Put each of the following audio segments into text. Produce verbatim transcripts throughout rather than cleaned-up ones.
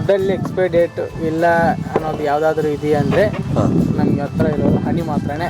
ಫುಡ್ಡಲ್ಲಿ expiry date ಇಲ್ಲ ಅನ್ನೋದು ಯಾವುದಾದ್ರೂ ಇದೆಯಾ ಅಂದರೆ ನಮ್ಗೆ ಹತ್ರ ಇರೋದು ಹನಿ ಮಾತ್ರನೇ.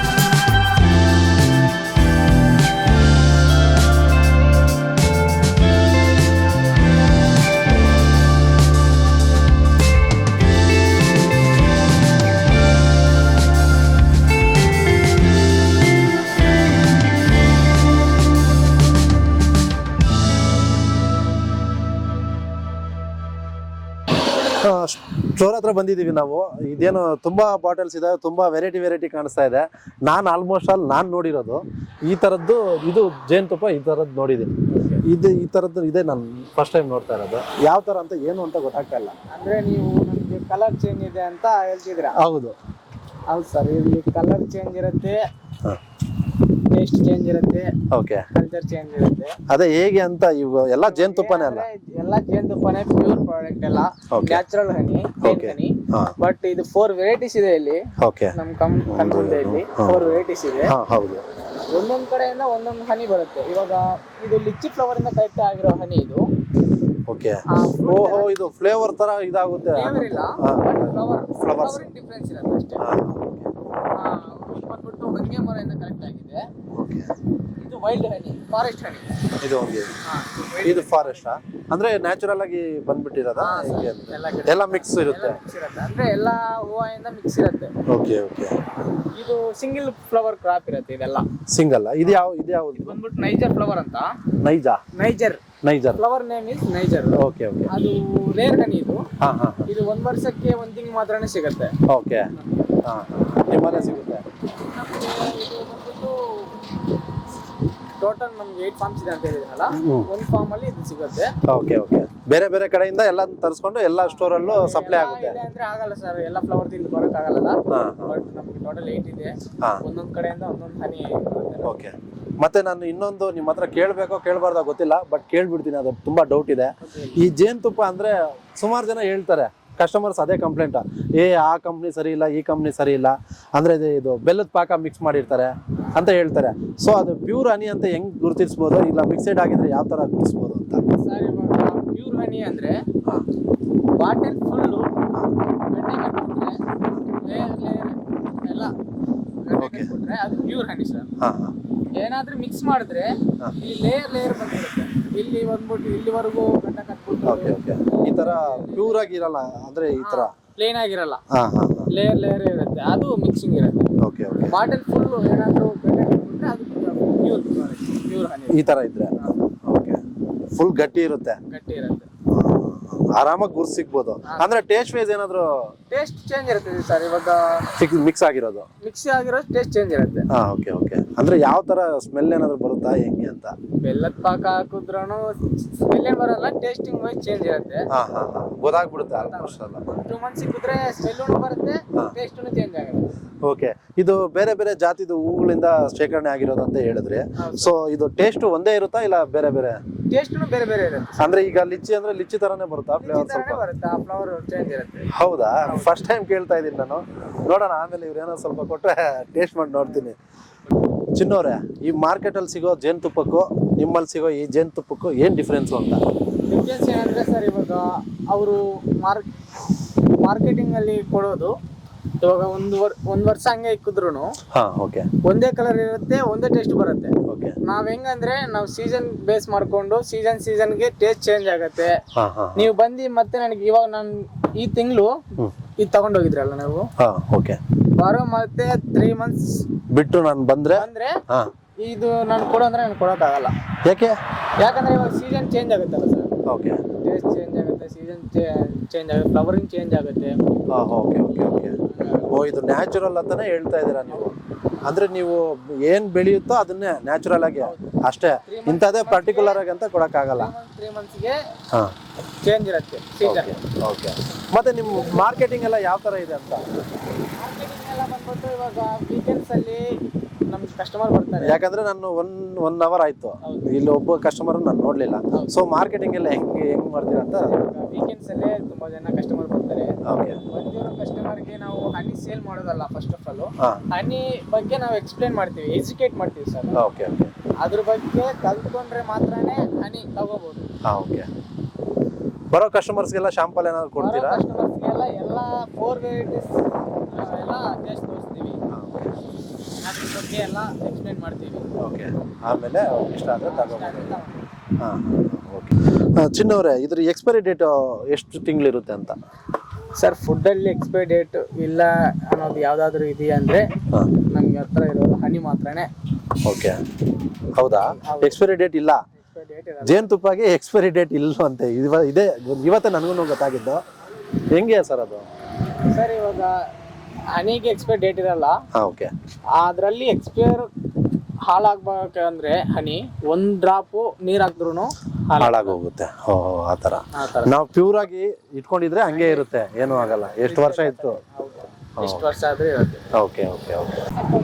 ಸ್ಟೋರ್ ಹತ್ರ ಬಂದಿದ್ದೀವಿ ನಾವು. ಇದೇನು ತುಂಬಾ ಬಾಟಲ್ಸ್ ಇದೆ, ತುಂಬಾ ವೆರೈಟಿ ವೆರೈಟಿ ಕಾಣಿಸ್ತಾ ಇದೆ. ನಾನು ಆಲ್ಮೋಸ್ಟ್ ಆಲ್ ನಾನು ನೋಡಿರೋದು ಈ ಥರದ್ದು ಇದು ಜೇನುತುಪ್ಪ ಈ ಥರದ್ದು ನೋಡಿದ್ದೀನಿ. ಇದು ಈ ಥರದ್ದು ಇದೆ ನಾನು ಫಸ್ಟ್ ಟೈಮ್ ನೋಡ್ತಾ ಇರೋದು. ಯಾವ ಥರ ಅಂತ ಏನು ಅಂತ ಗೊತ್ತಾಗ್ತಾ ಇಲ್ಲ. ಅಂದರೆ ನೀವು ನಮಗೆ ಕಲರ್ ಚೇಂಜ್ ಇದೆ ಅಂತ ಹೇಳ್ತಿದ್ದೀರಾ? ಹೌದು ಹೌದು ಸರ್, ಇಲ್ಲಿ ಕಲರ್ ಚೇಂಜ್ ಇರುತ್ತೆ, ಟೇಸ್ಟ್ ಚೇಂಜ್ ಇರುತ್ತೆ, ಓಕೆ, ಕಲ್ಚರ್ ಚೇಂಜ್ ಇರುತ್ತೆ. ಅದೇ ಹೇಗೆ ಅಂತ ಇವು ಎಲ್ಲ ಜೇನುತುಪ್ಪನೇ ಅಲ್ಲ? ಎಲ್ಲ ಜೇನುತುಪ್ಪನೇ, ಪ್ಯೂರ್ ಪ್ರಾಡಕ್ಟ್ ಎಲ್ಲ, ನ್ಯಾಚುರಲ್ ಹನಿ, ಹನಿ. ಬಟ್ ಇದು ಫೋರ್ ವೆರೈಟೀಸ್ ಇದೆ ಇಲ್ಲಿ. ಓಕೆ, ನಮ್ ಕಂಪನಿಯಲ್ಲಿ ಫೋರ್ ವೆರೈಟೀಸ್ ಇದೆ. ಹೌದು, ಒಂದೊಂದ್ ಕಡೆಯಿಂದ ಒಂದೊಂದು ಹನಿ ಬರುತ್ತೆ. ಇವಾಗ ಇದು ಲಿಚ್ಚಿ ಫ್ಲವರ್ ಇಂದ ಕಲೆಕ್ಟ್ ಆಗಿರೋ ಹನಿ ಇದು. ಓಕೆ, ಓಹೋ, ಇದು ಫ್ಲೇವರ್ ತರ ಇದಾಗುತ್ತೆ. ಫ್ಲೇವರ್ ಇಲ್ಲ, ಫ್ಲವರ್ ಫ್ಲವರ್ ಡಿಫರೆನ್ಸ್ ಇರುತ್ತೆ ಅಷ್ಟೇ. ಬಂದ್ಬಿಟ್ಟು ಹೊಂಗೆ ಮರದಿಂದ ಕಲೆಕ್ಟ್ ಆಗಿದೆ. ಇದು ವೈಲ್ಡ್ ಹನಿ, ಫಾರೆಸ್ಟ್ ಹನಿ. ಇದು ಹೊಂಗೆ, ಇದು ಫಾರೆಸ್ಟ್ ಅಂದ್ರೆ ನ್ಯಾಚುರಲ್ ಆಗಿ ಬಂದ್ಬಿಟ್ಟಿರೋದ? ಎಲ್ಲ ಮಿಕ್ಸ್ ಇರುತ್ತೆ ಅಂದ್ರೆ ಎಲ್ಲಾ ಹೂವಿಂದ ಮಿಕ್ಸ್ ಇರುತ್ತೆ. ಓಕೆ ಓಕೆ, ಇದು ಸಿಂಗಲ್ ಫ್ಲವರ್ ಕ್ರಾಪ್ ಇರುತ್ತೆ. ಇದೆಲ್ಲ ಸಿಂಗಲ್. ಇದು ಯಾವ ಇದು ಯಾವ ಬಂದ್ಬಿಟ್ಟು ನೈಜರ್ ಫ್ಲವರ್ ಅಂತ. ನೈಜಾ? Niger niger flower name is niger. Okay okay, ಅದು ರೇರ್ ಹನಿ ಇದು. ಹಾ ಹಾ, ಇದು ಒಂದ್ ವರ್ಷಕ್ಕೆ ಒಂದ್ ತಿಂಗಳು ಮಾತ್ರನೇ ಸಿಗುತ್ತೆ. ಓಕೆ, ಹಾ, ನಿಮ್ಮಲ್ಲೇ ಸಿಗುತ್ತೆ. ಟೋಟಲ್ ನಮ್ಗೆ ಏಟ್ ಫಾರ್ಮ್ಸ್ ಇದೆ ಅಂತ ಹೇಳಿದ್ರಲ್ಲ, ಒಂದು ಫಾರ್ಮ್ ಅಲ್ಲಿ ಇದು ಸಿಗುತ್ತೆ. ಓಕೆ ಓಕೆ, ಬೇರೆ ಬೇರೆ ಕಡೆಯಿಂದ ಎಲ್ಲ ತರಿಸ್ಕೊಂಡು ಎಲ್ಲ ಸ್ಟೋರ್ ಅಲ್ಲೂ ಸಪ್ಲೈ ಆಗುತ್ತೆ ಅಂದ್ರೆ ಆಗಲ್ಲ ಸರ್, ಎಲ್ಲ ಫ್ಲವರ್ ಇಲ್ಲಿ ಬರೋಕ್ ಆಗಲ್ಲ. ಬಟ್ ನಮ್ಗೆ ಟೋಟಲ್ ಏಟ್ ಇದೆ, ಒಂದೊಂದ್ ಕಡೆಯಿಂದ ಒಂದೊಂದು ಹನಿ ಬರುತ್ತೆ. ಓಕೆ, ಮತ್ತೆ ನಾನು ಇನ್ನೊಂದು ನಿಮ್ಮ ಹತ್ರ ಕೇಳಬೇಕೋ ಕೇಳಬಾರ್ದೋ ಗೊತ್ತಿಲ್ಲ, ಬಟ್ ಕೇಳ್ಬಿಡ್ತೀನಿ, ಅದು ತುಂಬಾ ಡೌಟ್ ಇದೆ. ಈ ಜೇನುತುಪ್ಪ ಅಂದ್ರೆ ಸುಮಾರು ಜನ ಹೇಳ್ತಾರೆ, ಕಸ್ಟಮರ್ಸ್ ಅದೇ ಕಂಪ್ಲೇಂಟ್, ಏ ಆ ಕಂಪ್ನಿ ಸರಿ ಇಲ್ಲ, ಈ ಕಂಪ್ನಿ ಸರಿ ಇಲ್ಲ, ಅಂದ್ರೆ ಇದು ಬೆಲ್ಲದ ಪಾಕ ಮಿಕ್ಸ್ ಮಾಡಿರ್ತಾರೆ ಅಂತ ಹೇಳ್ತಾರೆ. ಸೊ ಅದು ಪ್ಯೂರ್ ಹನಿ ಅಂತ ಹೆಂಗ್ ಗುರುತಿಸ್ಬೋದು, ಇಲ್ಲ ಮಿಕ್ಸೆಡ್ ಆಗಿದ್ರೆ ಯಾವ ತರ ಗುರುತಿಸ್ಬೋದು ಅಂತ? ಸರ್, ಇವಾಗ ಪ್ಯೂರ್ ಹನಿ ಅಂದ್ರೆ ಬಾಟಲ್ ಫುಲ್ಲು ಗಡ್ಡೆ ಕಟ್ಬಿಟ್ರೆ ಲೇಯರ್ ಲೇಯರ್ ಎಲ್ಲ ಗಡ್ಡೆ ಕಟ್ಬಿಟ್ರೆ ಅದು ಪ್ಯೂರ್ ಹನಿ ಸರ್. ಏನಾದ್ರೂ ಮಿಕ್ಸ್ ಮಾಡಿದ್ರೆ ಇಲ್ಲಿ ಲೇಯರ್ ಲೇಯರ್ ಬಂದ್ಬಿಡುತ್ತೆ. ಇಲ್ಲಿ ಬಂದ್ಬಿಟ್ಟು ಇಲ್ಲಿವರೆಗೂ ಗಡ್ಡೆ ಕಟ್ಬಿಟ್ಟು ಓಕೆ ಓಕೆ, ಈ ತರ ಪ್ಯೂರ್ ಆಗಿರಲ್ಲ, ಅಂದ್ರೆ ಈ ತರ ಪ್ಲೇನ್ ಆಗಿರಲ್ಲ, ಲೇಯರ್ ಲೇಯರ್ ಇರುತ್ತೆ, ಅದು ಮಿಕ್ಸಿಂಗ್ ಇರುತ್ತೆ. ಓಕೆ ಓಕೆ, ಬಾಟಲ್ ಫುಲ್ ಏನಾದ್ರೂ ಗಡ್ಡೆ ಕಟ್ಬಿಟ್ರೆ ಅದು ಪ್ಯೂರ್ ಪ್ಯೂರ್ ಹನಿ ಈ ತರ ಇದ್ರೆ. ಓಕೆ, ಫುಲ್ ಗಟ್ಟಿ ಇರುತ್ತೆ, ಗಟ್ಟಿ ಇರುತ್ತೆ, ಆರಾಮಾಗಿ ಗುರ್ಸ್ ಸಿಗ್ಬೋದು. ಅಂದ್ರೆ ಟೇಸ್ಟ್ ವೈಸ್ ಏನಾದ್ರು ಟೇಸ್ಟ್ ಚೇಂಜ್ ಇರುತ್ತೆ ಸರ್. ಇವಾಗ ಮಿಕ್ಸ್ ಆಗಿರೋದು ಮಿಕ್ಸ್ ಆಗಿರೋ ಟೇಸ್ಟ್ ಚೇಂಜ್ ಇರುತ್ತೆ. ಹಾ, ಓಕೆ ಓಕೆ, ಅಂದ್ರೆ ಯಾವ ತರ ಸ್ಮೆಲ್ ಏನಾದ್ರು ಬರುತ್ತಾ ಹೆಂಗೆ ಅಂತ? ಬೆಲ್ಲದ ಪಾಕ ಹಾಕಿದ್ರೂ ಸ್ಮೆಲ್ ಏನ್ ಬರಲ್ಲ, ಟೇಸ್ಟಿಂಗ್ ವೈಸ್ ಚೇಂಜ್ ಇರುತ್ತೆ. ಹಾ ಹಾ, ಗೊತ್ತಾಗ್ಬಿಡುತ್ತೆ ಆಲ್ಮೋಸ್ಟ್ ಅಲ್ಲ. ಟೂ ಮಂತ್ಸ್ ಸಿಕ್ಕಿದ್ರೆ ಸ್ಮೆಲ್ ಬರುತ್ತೆ, ಟೇಸ್ಟು ಚೇಂಜ್ ಆಗುತ್ತೆ. ಓಕೆ, ಇದು ಬೇರೆ ಬೇರೆ ಜಾತಿದು ಹೂಗಳಿಂದ ಶೇಖರಣೆ ಆಗಿರೋದು ಅಂತ ಹೇಳಿದ್ರೆ, ಸೊ ಇದು ಟೇಸ್ಟ್ ಒಂದೇ ಇರುತ್ತಾ ಇಲ್ಲ ಬೇರೆ ಬೇರೆ? ಟೇಸ್ಟು ಬೇರೆ ಬೇರೆ ಇರುತ್ತೆ. ಅಂದ್ರೆ ಈಗ ಲಿಚ್ಚಿ ಅಂದ್ರೆ ಲಿಚ್ಚಿ ತರಾನೇ ಬರುತ್ತಾ ಫ್ಲೇವರ್? ಸ್ವಲ್ಪ ಬರುತ್ತೆ, ಆ ಫ್ಲೇವರ್ ಚೇಂಜ್ ಇರುತ್ತೆ. ಹೌದಾ? ಫಸ್ಟ್ ಟೈಮ್ ಕೇಳ್ತಾ ಇದೀನಿ ನಾನು. ನೋಡೋಣ, ಆಮೇಲೆ ಇವ್ರೇನೋ ಸ್ವಲ್ಪ ಕೊಟ್ರೆ ಟೇಸ್ಟ್ ಮಾಡಿ ನೋಡ್ತೀನಿ. ಚಿನ್ನೋರೆ, ಈ ಮಾರ್ಕೆಟ್ ಅಲ್ಲಿ ಸಿಗೋ ಜೇನುತುಪ್ಪಕ್ಕೂ ನಿಮ್ಮಲ್ಲಿ ಸಿಗೋ ಈ ಜೇನುತುಪ್ಪಕ್ಕೂ ಏನ್ ಡಿಫ್ರೆನ್ಸ್ ಅಂತ? ಡಿಫ್ರೆನ್ಸ್ ಏನಂದ್ರೆ ಸರ್, ಇವಾಗ ಅವರು ಮಾರ್ಕ್ ಮಾರ್ಕೆಟಿಂಗ್ ಅಲ್ಲಿ ಕೊಡೋದು, ಇವಾಗ ಒಂದು ವರ್ ಒಂದ್ ವರ್ಷ ಹಂಗೆ ಇಕ್ಕಿದ್ರು ಒಂದೇ ಕಲರ್ ಇರುತ್ತೆ, ಒಂದೇ ಟೇಸ್ಟ್ ಬರುತ್ತೆ. ನಾವ್ ಹೆಂಗಂದ್ರೆ ನಾವು ಸೀಸನ್ ಬೇಸ್ ಮಾಡ್ಕೊಂಡು ಸೀಸನ್ ಸೀಸನ್ಗೆ ಟೇಸ್ಟ್ ಚೇಂಜ್ ಆಗತ್ತೆ. ನೀವು ಬಂದು ಮತ್ತೆ ನನಗೆ ಇವಾಗ ನಾನು ಈ ತಿಂಗಳು ಇದು ತಗೊಂಡೋಗಿದ್ರಲ್ಲ ನಾವು, ಬರೋ ಮತ್ತೆ ತ್ರೀ ಮಂತ್ಸ್ ಬಿಟ್ಟು ನಾನು ಬಂದ್ರೆ ಅಂದ್ರೆ ಇದು ನಾನು ಕೊಡೋ ಅಂದ್ರೆ ನಾನು ಕೊಡೋಕ್ ಆಗಲ್ಲ. ಯಾಕೆ? ಯಾಕಂದ್ರೆ ಇವಾಗ ಸೀಸನ್ ಚೇಂಜ್ ಆಗುತ್ತಲ್ಲ ಸರ್. ಓಕೆ, ಟೇಸ್ಟ್ ಚೇಂಜ್ ಆಗುತ್ತೆ, ಸೀಸನ್ ಚೇಂಜ್ ಆಗುತ್ತೆ, ಫ್ಲವರಿಂಗ್ ಚೇಂಜ್ ಆಗುತ್ತೆ. ಓಕೆ ಓಕೆ ಓಕೆ, ಓ ಇದು ನ್ಯಾಚುರಲ್ ಅಂತಾನೆ ಹೇಳ್ತಾ ಇದ್ದೀರಾ ನೀವು? ಅಂದ್ರೆ ನೀವು ಏನ್ ಬೆಳೆಯುತ್ತೋ ಅದನ್ನೇ ನ್ಯಾಚುರಲ್ ಆಗಿ ಅಷ್ಟೇ, ಇಂಥದೇ ಪರ್ಟಿಕ್ಯುಲರ್ ಆಗಿ ಅಂತ ಕೊಡಕ್ ಆಗಲ್ಲ. ತ್ರೀ ಮಂತ್ಸ್ಗೆ ಚೇಂಜ್ ಇರುತ್ತೆ ಸೀಸನ್. ಓಕೆ, ಮತ್ತೆ ನಿಮ್ಮ ಮಾರ್ಕೆಟಿಂಗ್ ಎಲ್ಲ ಯಾವ ತರ ಇದೆ ಅಂತ? ಮಾರ್ಕೆಟಿಂಗ್ ಎಲ್ಲ ಬಂದ್ಬಿಟ್ಟು ಇವಾಗ ವೀಕೆಂಡ್ಸ್ ಅಲ್ಲಿ ನಮ್ ಕಸ್ಟಮರ್ ಬರ್ತಾರೆ. ಯಾಕಂದ್ರೆ ನಾನು ಒನ್ ಒನ್ ಅವರ್ ಆಯ್ತು ಇಲ್ಲಿ ಒಬ್ಬ ಕಸ್ಟಮರ್ ನಾನು ನೋಡ್ಲಿಲ್ಲ. ಸೊ ಮಾರ್ಕೆಟಿಂಗ್ ಎಲ್ಲ ಹೆಂಗೆ ಹೆಂಗ್ ಮಾಡ್ತೀರಾ ಅಂತ? ವೀಕೆಂಡ್ಸ್ ಅಲ್ಲೇ ತುಂಬಾ ಜನ ಕಸ್ಟಮರ್ ಬರ್ತಾರೆ. ಬಂದಿರೋ ಕಸ್ಟಮರ್ಗೆ ನಾವು ಹನಿ ಸೇಲ್ ಮಾಡೋದಲ್ಲ, ಫಸ್ಟ್ ಆಫ್ ಆಲ್ ಹನಿ ಬಗ್ಗೆ ನಾವು ಎಕ್ಸ್ಪ್ಲೇನ್ ಮಾಡ್ತೀವಿ, ಎಜುಕೇಟ್ ಮಾಡ್ತೀವಿ ಸರ್. ಓಕೆ ಓಕೆ, ಅದ್ರ ಬಗ್ಗೆ ಕಲ್ತ್ಕೊಂಡ್ರೆ ಮಾತ್ರನೇ ಹನಿ ತಗೋಬಹುದು. ಓಕೆ, ಬರೋ ಕಸ್ಟಮರ್ಸ್ಗೆಲ್ಲ ಶಾಂಪಲ್ ಏನಾದ್ರು ಕೊಡ್ತೀರಾ? ಕಸ್ಟಮರ್ಸ್ಗೆಲ್ಲ ಎಲ್ಲ ಫೋರ್ ವೆರೈಟೀಸ್ ಎಲ್ಲ ಟೇಸ್ಟ್ ತೋರಿಸ್ತೀವಿ, ಅದ್ರ ಬಗ್ಗೆ ಎಲ್ಲ ಎಕ್ಸ್ಪ್ಲೇನ್ ಮಾಡ್ತೀವಿ. ಓಕೆ, ಆಮೇಲೆ ಇಷ್ಟ ಆದರೆ ತಗೋಬೋದು. ಹಾಂ ಓಕೆ. ಚಿನ್ನವರೇ, ಇದ್ರ ಎಕ್ಸ್ಪೈರಿ ಡೇಟ್ ಎಷ್ಟು ತಿಂಗಳಿರುತ್ತೆ ಅಂತ? ಸರ್, ಫುಡ್ಡಲ್ಲಿ ಎಕ್ಸ್ಪೈರಿ ಡೇಟ್ ಇಲ್ಲ ಅನ್ನೋದು ಯಾವುದಾದ್ರೂ ಇದೆಯಾ ಅಂದರೆ ನಮ್ಗೆ ಹತ್ರ ಇರೋದು ಹನಿ ಮಾತ್ರನೇ. ಓಕೆ, ಹೌದಾ? ಎಕ್ಸ್ಪೈರಿ ಡೇಟ್ ಇಲ್ಲ ಜೇನುತುಪ್ಪಗೆ? ಎಕ್ಸ್ಪೈರಿ ಡೇಟ್ ಇಲ್ವಂತೆ. ಇವ ಇದೆ ಇವತ್ತೇ ನನಗೂ ಗೊತ್ತಾಗಿದ್ದು. ಹೆಂಗೆ ಸರ್ ಅದು? ಸರ್, ಇವಾಗ ಹನಿಗೆ ಎಕ್ಸ್ಪೈರಿ ಡೇಟ್ ಇರಲ್ಲ. ಹಾಂ ಓಕೆ. ಅದರಲ್ಲಿ ಎಕ್ಸ್ಪೈರ್ ಹಾಳಾಗ್ಬೇಕಂದ್ರೆ ಹನಿ ಒಂದ್ ಡ್ರಾಪು ನೀರ್ ಹಾಕಿದ್ರು ಹಾಳಾಗೋಗುತ್ತೆ. ಓ, ಆ ಥರ. ನಾವು ಪ್ಯೂರ್ ಆಗಿ ಇಟ್ಕೊಂಡಿದ್ರೆ ಹಂಗೆ ಇರುತ್ತೆ, ಏನೂ ಆಗಲ್ಲ. ಎಷ್ಟು ವರ್ಷ ಇತ್ತು? ಎಷ್ಟು ವರ್ಷ ಆದ್ರೆ ಇರುತ್ತೆ. Okay okay okay.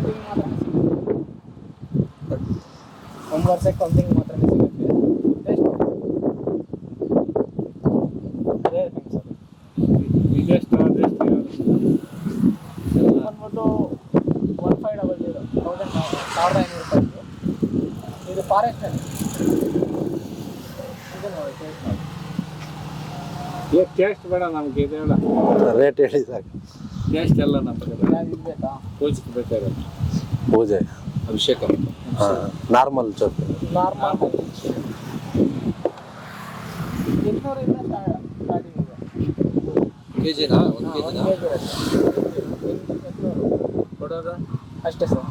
ಒಂದು ವರ್ಷಕ್ಕೆ ಒಂದು ತಿಂಗಳು ಮಾತ್ರ ಸಿಗುತ್ತೆ. ಬಂದ್ಬಿಟ್ಟು one five double zero thousand ಸಾವಿರದ ಐನೂರು ರೂಪಾಯಿ. ಇದು ಫಾರೆಸ್ಟ್ ಅಲ್ಲಿ ಇದು ನೋಡಿ, ಟೇಸ್ಟ್ ಮಾಡಿ. ಈಗ ಟೇಸ್ಟ್ ಬೇಡ ನಮ್ಗೆ, ಇದು ಬೇಡ, ರೇಟ್ ಹೇಳಿ ಸಾಕು. ಟೇಸ್ಟ್ ಎಲ್ಲ ನಮ್ಗೆ ಇದು ಬೇಕಾ? ಪೂಜೆಗೆ ಬೇಕಾಗುತ್ತೆ. ಪೂಜೆ, ಅಭಿಷೇಕ, ನಾರ್ಮಲ್ ಚೊಕ್ ನಾರ್ಮಲ್ ಇನ್ನೂರಿಂದ ಸ್ಟಾರ್ಟಿಂಗ್ ಇದೆ. ಕೆ ಜಿನಾ? ಒಂದು ಕೆ ಜಿನಾ ಕೊಡೋದು? ಅಷ್ಟೇ ಸರ್.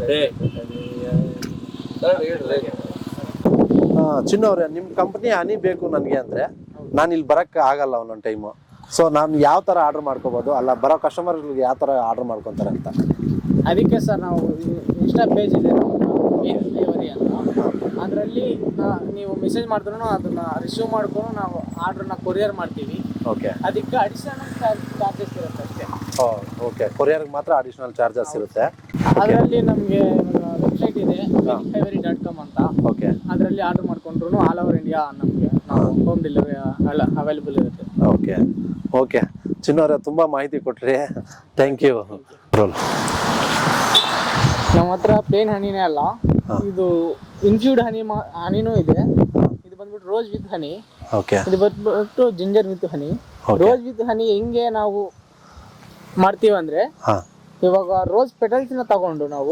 ಚಿನ್ನವ್ರೆ, ನಿಮ್ಮ ಕಂಪ್ನಿ ಹನಿ ಬೇಕು ನನಗೆ ಅಂದರೆ ನಾನು ಇಲ್ಲಿ ಬರೋಕ್ಕೆ ಆಗಲ್ಲ ಒಂದೊಂದು ಟೈಮು. ಸೊ ನಾನು ಯಾವ ಥರ ಆರ್ಡ್ರ್ ಮಾಡ್ಕೋಬೋದು? ಅಲ್ಲ, ಬರೋ ಕಸ್ಟಮರ್ಗಳಿಗೆ ಯಾವ ಥರ ಆರ್ಡ್ರ್ ಮಾಡ್ಕೊತಾರೆ ಅಂತ? ಅದಕ್ಕೆ ಸರ್ ನಾವು ಇನ್ಸ್ಟಾ ಪೇಜ್ ಇದೆ ಮೇನ್ ಡೆಲಿವರಿ ಅಂತ. ಅದರಲ್ಲಿ ನೀವು ಮೆಸೇಜ್ ಮಾಡಿದ್ರು ಅದನ್ನ ರಿಸೀವ್ ಮಾಡ್ಕೊಂಡು ನಾವು ಆರ್ಡ್ರನ್ನ ಕೊರಿಯರ್ ಮಾಡ್ತೀವಿ. ಓಕೆ, ಅದಕ್ಕೆ ಅಡಿಷನಲ್ ಚಾರ್ಜಸ್ ಇರುತ್ತೆ ಅಷ್ಟೇ. ಓಕೆ, ಕೊರಿಯರ್ಗೆ ಮಾತ್ರ ಅಡಿಷನಲ್ ಚಾರ್ಜಸ್ ಇರುತ್ತೆ. ಅದರಲ್ಲಿ ನಮಗೆ ವೆಬ್ಸೈಟ್ ಇದೆ ಡೆಲಿವರಿ ಡಾಟ್ ಕಾಮ್ ಅಂತ. ಓಕೆ, ಅದರಲ್ಲಿ ಆರ್ಡರ್ ಮಾಡ್ಕೊಂಡ್ರು ಆಲ್ ಓವರ್ ಇಂಡಿಯಾ ನಮಗೆ ನಾವು ಹೋಮ್ ಡೆಲಿವರಿ ಎಲ್ಲ ಅವೈಲೇಬಲ್ ಇರುತ್ತೆ. Okay okay. ಚಿನ್ನವರೇ, ತುಂಬ ಮಾಹಿತಿ ಕೊಟ್ರಿ, ಥ್ಯಾಂಕ್ ಯು. ನಮ್ಮ ಹತ್ರ ಪ್ಲೇನ್ ಹನಿನೇ ಅಲ್ಲ, ಇದು ಇನ್ಫ್ಯೂಡ್ ಹನಿ ಹನಿನೂ ಇದೆ. ಇದು ಬಂದ್ಬಿಟ್ಟು ರೋಸ್ ವಿತ್ ಹನಿ. ಓಕೆ, ಇದು ಬಂದ್ಬಿಟ್ಟು ginger with honey. Rose with honey ಹೆಂಗೆ ನಾವು ಮಾಡ್ತೀವಿ ಅಂದ್ರೆ, ಇವಾಗ ರೋಸ್ ಪೆಟಲ್ಸ್ನ ತಗೊಂಡು ನಾವು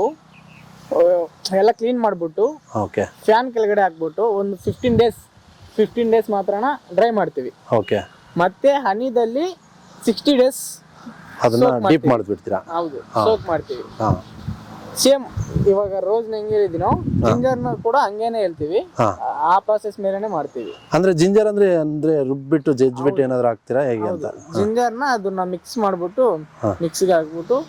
ಎಲ್ಲ ಕ್ಲೀನ್ ಮಾಡ್ಬಿಟ್ಟು ಓಕೆ, ಫ್ಯಾನ್ ಕೆಳಗಡೆ ಹಾಕ್ಬಿಟ್ಟು ಒಂದು ಫಿಫ್ಟೀನ್ ಡೇಸ್ ಫಿಫ್ಟೀನ್ ಡೇಸ್ ಮಾತ್ರನ ಡ್ರೈ ಮಾಡ್ತೀವಿ. ಓಕೆ, ಮತ್ತೆ ಹನಿದಲ್ಲಿ ಸಿಕ್ಸ್ಟಿ ಡೇಸ್ ಅದನ್ನ ಡೀಪ್ ಮಾಡಿಬಿಡ್ತೀರಾ? ಹೌದು, ಸೋಕ್ ಮಾಡ್ತೀವಿ. ಹಾಂ, ಸೇಮ್ ಇವಾಗ ರೋಸ್ ಹೆಂಗೆ ಹೇಳಿದಿನೋ ಜಿಂಜರ್ನ ಕೂಡ ಹಂಗೇನೆ ಹೇಳ್ತೀವಿ. ಆ ಪ್ರಾಸೆಸ್ ಮೇಲೆನೆ ಮಾಡ್ತೀವಿ. ಅಂದ್ರೆ ಜಿಂಜರ್ ಅಂದ್ರೆ ಅಂದ್ರೆ ರುಬ್ಬಿಟ್ಟು ಜಜ್ಬಿಟ್ಟು ಏನಾದ್ರು ಹಾಕ್ತೀರಾ ಹೇಗೆ ಅಂತ? ಜಿಂಜರ್ನ ಅದನ್ನ ಮಿಕ್ಸ್ ಮಾಡ್ಬಿಟ್ಟು ಮಿಕ್ಸಿಗೆ ಹಾಕ್ಬಿಟ್ಟು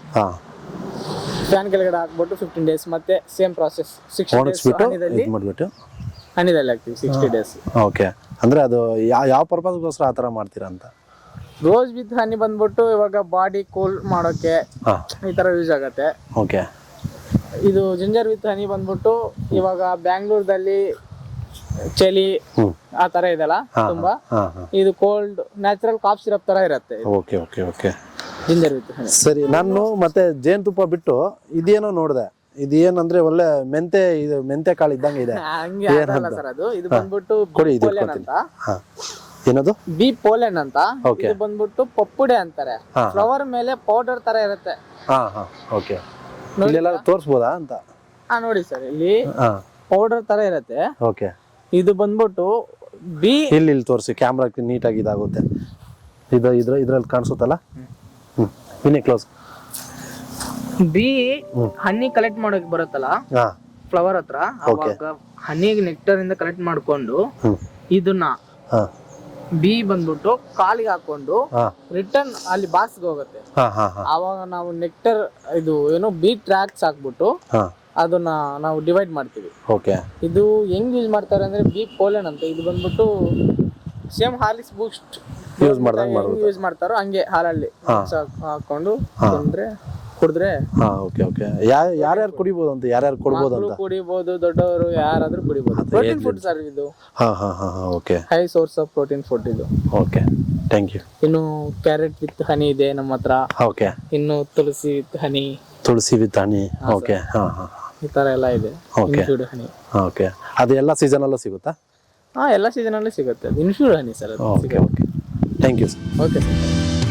ಫ್ಯಾನ್ ಕೆಳಗಡೆ ಹಾಕ್ಬಿಟ್ಟು ಫಿಫ್ಟೀನ್ ಡೇಸ್ ಮತ್ತೆ ಸೇಮ್ ಪ್ರಾಸೆಸ್ ಸಿಕ್ಸ್ಟಿ ಡೇಸ್ ಹನಿದಲ್ಲಿ ಹನಿದಲ್ಲಿ ಹಾಕ್ತೀವಿ ಸಿಕ್ಸ್ಟಿ ಡೇಸ್. ಓಕೆ, ಅಂದ್ರೆ ಅದು ಯಾವ ಪರ್ಪಸ್ಗೋಸ್ಕರ ಆ ಥರ ಮಾಡ್ತೀರಾ ಅಂತ? ರೋಸ್ ವಿತ್ ಹನಿ ಬಂದ್ಬಿಟ್ಟು ಇವಾಗ ಬಾಡಿ ಕೂಲ್ ಮಾಡೋಕೆ ಈ ತರ ಯೂಸ್ ಆಗತ್ತೆ. ಓಕೆ, ಇದು ಜಿಂಜರ್ ವಿತ್ ಹನಿ ಬಂದ್ಬಿಟ್ಟು ಇವಾಗ ಬ್ಯಾಂಗ್ಳೂರ್ದಲ್ಲಿ ಚಳಿ ಆ ತರ ಇದೆಲ್ಲ ತುಂಬಾ, ಇದು ಕೋಲ್ಡ್ ನ್ಯಾಚುರಲ್ ಕಾಫ್ ಸಿರಪ್ ತರ ಇರುತ್ತೆ. Okay okay okay, ginger with honey. ಸರಿ, ನಾನು ಮತ್ತೆ ಜೇನುತುಪ್ಪ ಬಿಟ್ಟು ಇದೇನೋ ನೋಡಿದೆ. ಇದು ಏನಂದ್ರೆ ಒಳ್ಳೆ ಮೆಂತೆ, ಇದು ಮೆಂತೆ ಕಾಳು ಇದ್ದಂಗೆ ಇದೆ. ಹಂಗೆ ಆಗಲ್ಲ ಸರ್ ಅದು. ಇದು ಬಂದ್ಬಿಟ್ಟು ಕೊಡಿ, ಇದು ಪೋಲೆನ್ ಅಂತ. ಏನದು? ಬಿ ಪೋಲೆನ್ ಅಂತ. ಇದು ಬಂದ್ಬಿಟ್ಟು ಪಪ್ಪುಡೆ ಅಂತಾರೆ. ಫ್ಲವರ್ ಮೇಲೆ ಪೌಡರ್ ತರ ಇರುತ್ತೆ. ಹಾ ಹಾ, ಓಕೆ. ಇಲ್ಲೆಲ್ಲ ತೋರಿಸ್ಬೋದಾ ಅಂತ? ಹಾ, ನೋಡಿ ಸರ್, ಇಲ್ಲಿ ಪೌಡರ್ ತರ ಇರುತ್ತೆ. ಓಕೆ, ಇದು ಬಂದ್ಬಿಟ್ಟು ಬಿ ಇಲ್ಲಿ ಇಲ್ಲಿ ತೋರಿಸಿ, ಕ್ಯಾಮ್ರಾಕ್ಕೆ ನೀಟಾಗಿ ಇದಾಗುತ್ತೆ. ಇದು ಇದ್ರ ಇದ್ರಲ್ಲಿ ಕಾಣಿಸುತ್ತಲ್ಲ? ಹ್ಮ್, ಇನ್ನೇ ಕ್ಲೋಸ್. ಬಿ ಹನಿ ಕಲೆಕ್ಟ್ ಮಾಡೋಕೆ ಬರುತ್ತಲ್ಲ ಫ್ಲವರ್ ಹತ್ರ, ಅವಾಗ ಹನಿ ನೆಕ್ಟರ್ ಇಂದ ಕಲೆಕ್ಟ್ ಮಾಡ್ಕೊಂಡು ಇದನ್ನ ಬಿ ಬಂದ್ಬಿಟ್ಟು ಕಾಲಿಗೆ ಹಾಕೊಂಡು ರಿಟರ್ನ್ ಅಲ್ಲಿ ಬಾಕ್ಸ್ಗೆ ಹೋಗುತ್ತೆ. ಆವಾಗ ನಾವು ನೆಕ್ಟರ್ ಇದು ಏನು ಬಿ ಟ್ರ್ಯಾಕ್ಸ್ ಹಾಕ್ಬಿಟ್ಟು ಅದನ್ನ ನಾವು ಡಿವೈಡ್ ಮಾಡ್ತೀವಿ. ಓಕೆ, ಇದು ಹೆಂಗ್ ಯೂಸ್ ಮಾಡ್ತಾರೆ ಅಂದ್ರೆ ಬಿ ಪೋಲೆನ್ ಅಂತ. ಇದು ಬಂದ್ಬಿಟ್ಟು same Horlicks Boost use use ಮಾಡ್ತಾರೋ ಹಂಗೆ ಹಾಲಲ್ಲಿ ಹಾಕೊಂಡು ತಿಂದ್ರೆ ಕುಡಿದ್ರೆ. ಓಕೆ ಓಕೆ, ಯಾರ್ಯಾರು ಕುಡಿಬಹುದು ಅಂತ? ಯಾರ್ಯಾರು ಕೊಡಬಹುದು ಅಂತ? ಕುಡಿಬಹುದು, ದೊಡ್ಡವರು ಯಾರಾದ್ರೂ ಕುಡಿಬಹುದು. ಪ್ರೋಟೀನ್ ಫುಡ್ ಸರ್ ಇದು. ಹಾ ಹಾ ಹಾ, okay. High source of protein food ಇದು. Okay, thank you. ಇನ್ನು ಕ್ಯಾರೆಟ್ ವಿತ್ ಹನಿ ಇದೆ ನಮ್ಮ ಹತ್ರ. ಓಕೆ, ಇನ್ನು tulsi with honey. Tulsi with honey, okay. ಹಾ ಹಾ, ಈ ತರ ಎಲ್ಲ ಇದೆ. ಓಕೆ ಹನಿ. ಓಕೆ, ಅದು ಎಲ್ಲ ಸೀಸನ್ ಅಲ್ಲೂ ಸಿಗುತ್ತಾ? ಹಾ ಎಲ್ಲ ಸೀಸನಲ್ಲಿ ಸಿಗುತ್ತೆ ಅದು ಇನ್ಶೂರ್ ಹನಿ ಸರ್ ಅದು okay okay thank you sir. Okay sir.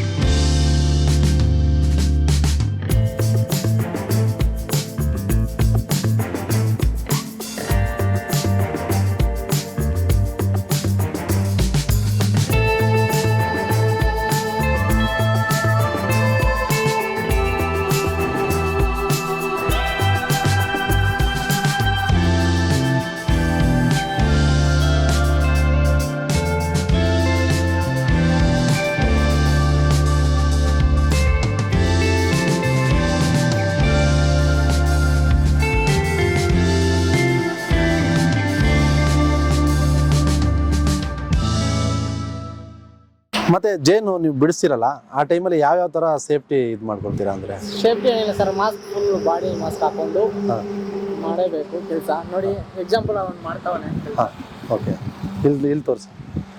ಮತ್ತೆ ಜೇನು ನೀವು ಬಿಡಿಸ್ತಿರಲ್ಲ ಆ ಟೈಮಲ್ಲಿ ಯಾವ್ಯಾವ ಥರ ಸೇಫ್ಟಿ ಇದು ಮಾಡ್ಕೊಳ್ತೀರಾ ಅಂದರೆ? ಸೇಫ್ಟಿ ಏನಿಲ್ಲ sir, mask full body mask ಹಾಕೊಂಡು ಹಾಂ ಮಾಡೇಬೇಕು ಕೆಲಸ. ನೋಡಿ ಎಕ್ಸಾಂಪಲ್ ಅವ್ನು ಮಾಡ್ತಾವನೆ. ಹಾಂ ಓಕೆ, ಇಲ್ಲಿ ಇಲ್ಲಿ ತೋರಿಸಿ.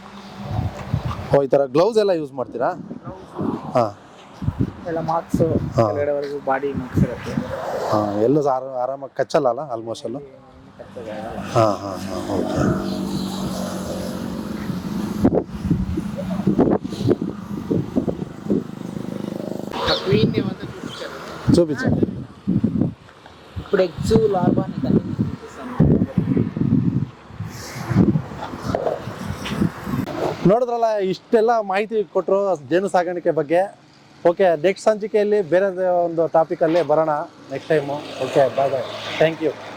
ಓ ಈ ಥರ ಗ್ಲೌಸ್ ಎಲ್ಲ ಯೂಸ್ ಮಾಡ್ತೀರಾ? ಹಾಂ ಎಲ್ಲ ಮಾರ್ಕ್ಸು ಹಾ. ಕೆಳಗಡೆವರೆಗೂ ಬಾಡಿ ಮಾರ್ಕ್ಸ್ ಇರುತ್ತೆ. ಹಾಂ ಎಲ್ಲೂ ಆರ ಆರಾಮಾಗಿ ಕಚ್ಚಲ್ಲ ಅಲ್ಲ ಆಲ್ಮೋಸ್ಟ್ ಅಲ್ಲೂ? ಹಾಂ ಹಾಂ ಹಾಂ ಓಕೆ. క్వీన్ని వంద చూపించారు. చూపించండి. ఇప్పుడు ఎగ్స్ లార్వాని అన్ని చూపిస్తాను. ನೋಡಿದ್ರಲ್ಲ, ಇಷ್ಟೆಲ್ಲ ಮಾಹಿತಿ ಕೊಟ್ಟರು ಜೇನು ಸಾಗಾಣಿಕೆ ಬಗ್ಗೆ. ಓಕೆ, ನೆಕ್ಸ್ಟ್ ಸಂಚಿಕೆಯಲ್ಲಿ ಬೇರೆ ಒಂದು ಟಾಪಿಕಲ್ಲಿ ಬರೋಣ next time. Okay, bye bye, thank you.